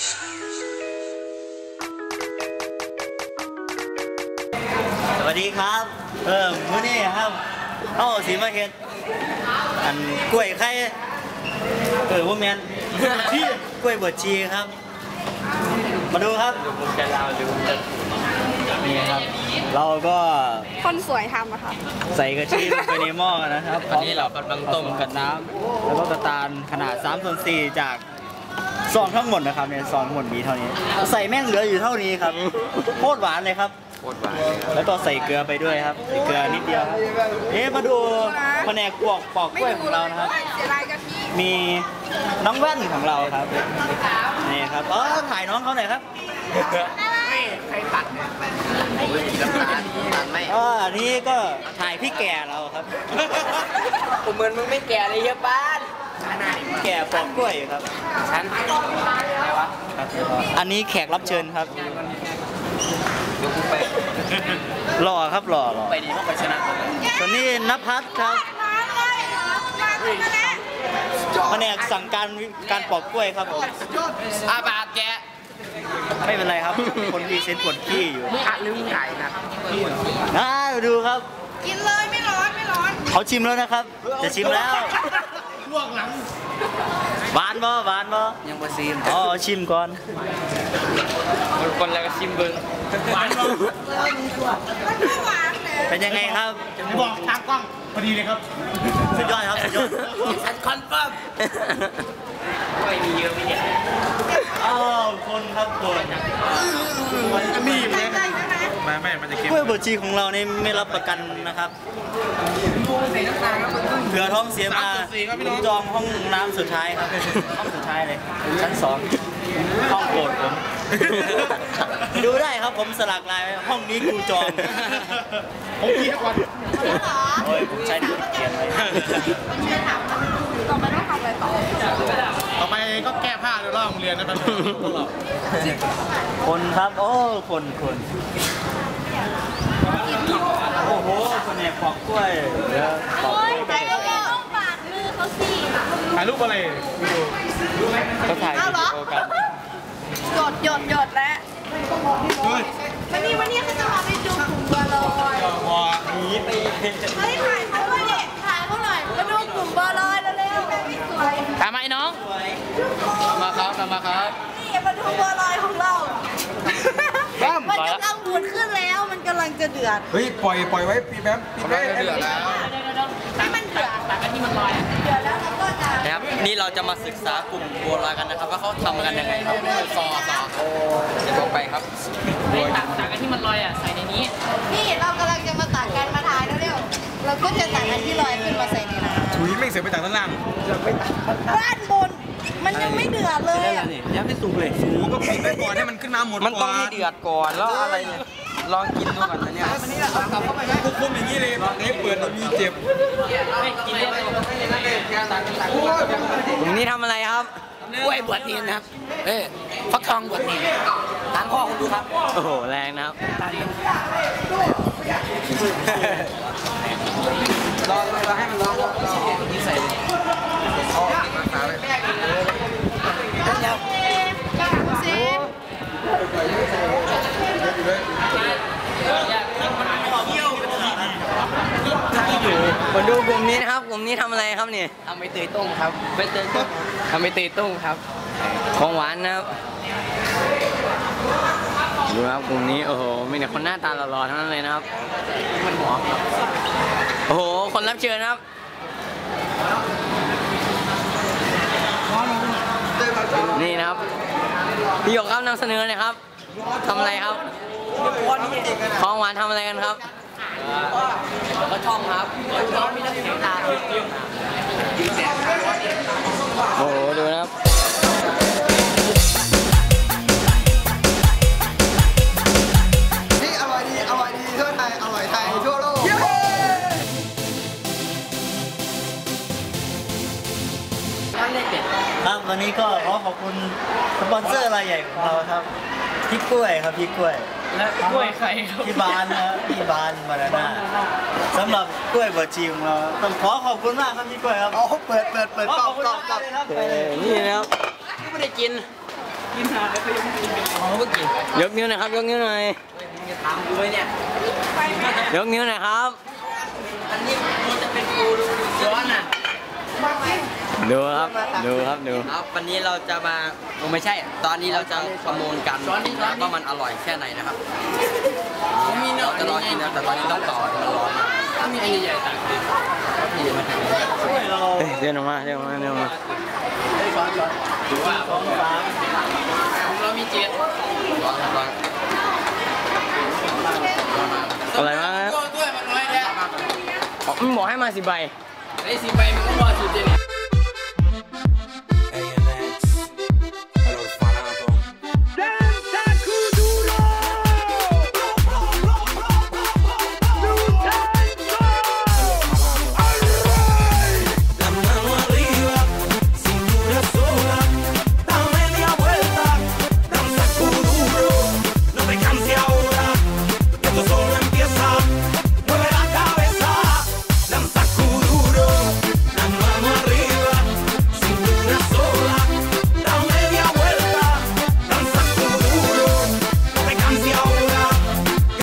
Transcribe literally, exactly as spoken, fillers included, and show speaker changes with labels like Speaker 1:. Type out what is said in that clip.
Speaker 1: สวัสดีครับเออมื้อนี้ครับเข้าสีมาเห็ดอันกล้วยไข่เออว่าแมนที่กล้วยบวชชีครับมาดูครับผมจะเล่าดูนี่ครับเราก็
Speaker 2: คนสวยทำอะค่ะ
Speaker 1: ใส่กะทิลงไปในหม้อนะครับตอนนี้เรากำลังต้มกับน้ำแล้วก็กระตาลขนาดสามส่วนสี่จากซองทั้งหมดนะครับเนี่ยซองทั้งหมดมีเท่านี้ใส่แม่งเหลืออยู่เท่านี้ครับโคตรหวานเลยครับโคตรหวานแล้วก็ใส่เกลือไปด้วยครับใส่เกลือนิดเดียวครับเอ๊ะมาดูแผนกปอกปอกกล้วยของเรานะครับมีน้องแว่นของเราครับนี่ครับเออถ่ายน้องเขาหน่อยครับใครตัดเนี่ยตัดไม่อ๋ออันนี้ก็ถ่ายพี่แก่เราครับ
Speaker 3: ผมเหมือนมึงไม่แก่เลยเยอะป้าน
Speaker 1: แก่ปอกกล้วยครับฉันอะไรวะอันนี้แขกรับเชิญครับ
Speaker 3: ยกไป
Speaker 1: หล่อครับหล่อหล่อ
Speaker 3: ไปดีพวกไปชนะ
Speaker 1: ส่วนนี้ณภัสครับแผนกสั่งการการปอกกล้วยครับผม
Speaker 3: อาบาแก
Speaker 1: ไม่เป็นไรครับคนที่เซ็นปวดขี้อยู่
Speaker 3: อ่ะลืมถ่ายนะ
Speaker 1: น่าดูครับ
Speaker 2: กินเลยไม่ร้อนไม่ร้อน
Speaker 1: เขาชิมแล้วนะครับจะชิมแล้วลวกหลังหวานบ่หวานบ่
Speaker 3: ยังบ่ชิม
Speaker 1: อ๋อชิมก่อน
Speaker 3: คนแล้วก็ชิมเบิ้ง
Speaker 1: หวานบ่เป็นยังไงครับ
Speaker 4: จะบอกทางกล้องพอดีเลยครับ
Speaker 1: สุดยอดครับสุดยอด
Speaker 3: ฉันคอนเฟิร์มไม่มีเยอะไม่เยอะ
Speaker 1: อ้าวคนครับคน
Speaker 4: มีไหมไม่ไม่มันจะเค็ม
Speaker 1: กล้วยบวชชีของเรานี่ไม่รับประกันนะครับเผื่อท้องเสียมาผมจองห้องน้ำสุดท้ายครับห้องสุดท้ายเลยชั้นสองห้องโปรดผมดูได้ครับผมสลักลายไว้ห้องนี้กูจอง
Speaker 4: ผมคิดทุกวัน
Speaker 1: โอ้ยผมใช้ดิเกียนไว้
Speaker 2: ต่อไปต้องทำอะไรต่อ
Speaker 4: ต่อไปก็แก้ผ้าในรอบโรงเรียนนะครับพวกเรา
Speaker 1: คนครับโอ้คนคนโอ้โหคนเนี่ยปอกกล้วย
Speaker 2: โอ้ยถ่ายรูปต้องปาดมือเขาสิ
Speaker 4: ถ่ายรูปอะไรดู
Speaker 1: เขาถ่ายวิดีโอกัน
Speaker 2: หยดหยดหยดแล้ววันนี้วันนี้เขาจะพาไปดูกลุ่มบัวลอย
Speaker 4: บัวหนีไป
Speaker 2: เฮ้ยถ่ายเขาด้วยเนี่ยถ่ายเขาหน่อยมาดูกลุ่มบัวลอยเร็วๆแม่ไม่สวย
Speaker 3: ทำไมน้องมาครับมาครับ
Speaker 2: นี่มาดูบัวลอยของเรามันกำลังบูดขึ้นแล้วมันกำลังจะเดือด
Speaker 4: เฮ้ยปล่อยปล่อยไว้ปีแป๊บปีแป๊บ
Speaker 3: เดือดแล้ว
Speaker 2: ให้มันเดือดแต่กันที่มันลอยเดือดแล้วเราก็จะ
Speaker 1: นะครับนี่เราจะมาศึกษากลุ่มบัวลอยกันนะครับว่าเขาทำกันยังไงครับ
Speaker 3: ซอซอเดี๋ยวไปครับตักตักกันที่มันลอยอ่ะใส่ในนี้
Speaker 2: นี่เรากำลังจะมาตักกันมาทายเร็วๆเราก็จะตักกันที่ลอยขึ้นมาใส่ในน้ำ
Speaker 4: ถุยไม่เสียไปตักด้านล่าง
Speaker 2: ไม่ตักด้านบนมันยังไม่เดือดเลยอ่ะ
Speaker 1: ยังไม่สุกเลย
Speaker 4: สูก็ปิดไว้ก่อนให้มันขึ้นมาหมด
Speaker 3: มันต้องให้เดือดก่อนแล้วอะไรเนี่ยลองกินดูก่อนนะเนี่ย
Speaker 4: มันนี่แหละครับกลับเข้าไปไหมคุกคุมอย่างนี้เลยเอ๊ะเปิดมีเจ็บ
Speaker 3: กินได้ผมนี่ทำอะไรครับกล้วยบวชเนียนนะครับเอ้ฟักทองบวชเนียนทางข้อคุณดูครับ
Speaker 1: โอ้โหแรงนะครับ
Speaker 3: รอรอให้มันร้อนนี่ใส่เลยอ๋อมาขาเลยเดี๋ยว
Speaker 2: สิ
Speaker 3: มาดูกลุ่มนี้นะครับกลุ่มนี้ทำอะไรครับเนี่ยทำใบเตยต้มครับใบเตยต้มทำใบเตยต้มครับของหวานนะครับดูครับกลุ่มนี้โอ้โหมีแต่คนหน้าตาหล่อๆทั้งนั้นเลยนะครับมันหอมโอ้โหคนรับเชิญครับนี่นะครับพี่หยกครับนำเสนอเลยครับทำอะไรครับของหวานทำอะไรกันครับก็ช่องครับช่องมีนักเสียงตาโอ้โหดูนะครับ
Speaker 4: นี่อร่อยดีอร่อยดีทั่วไทยอร่อยไทยทั่วโลก
Speaker 1: ครับวันนี้ก็ขอขอบคุณสปอนเซอร์รายใหญ่ของเราครับพี่กล้วยครับพี่กล้วย
Speaker 3: และกล้วยใครครับ
Speaker 1: พี่บานนะพี่บานมาแล้วนะสำหรับกล้วยบวชชีของเราต้องขอขอบคุณมากครับพี่กล้วยครับ
Speaker 4: อ๋อเปิดเปิดเปิดกล้องกล้องกล้อง
Speaker 3: นี่นะครับไม่ได้กินกินหาแล้วก็ยังไม่กินกันอ๋อเมื่อกี้ยกนิ้วหน่อยครับยกนิ้วหน่อยถามกูไว้เนี่ยยกนิ้วหน่อยครับอันนี้กูจะเป็นกูดูย้อนอ่ะดูครับดูครับดูครับวันนี้เราจะมาไม่ใช่ ตอนนี้เราจะประมูลกันว่ามันอร่อยแค่ไหนนะครับเราจะรอกินนะแต่ตอนนี้ต้องต่อมันร้อนถ้ามีไอ้ใหญ่ๆต่างกันพี่มาถึงเดินออกมาเดินออกมาเดินออกมาช้อนช้อนดูว่าสองสามเรามีเจ็ดร้อนร้อนอะไรมาด้วยมันน้อยแล้วมันบอกให้มาสิบใบไอ้สิบใบมันก็พอสิบเจนี่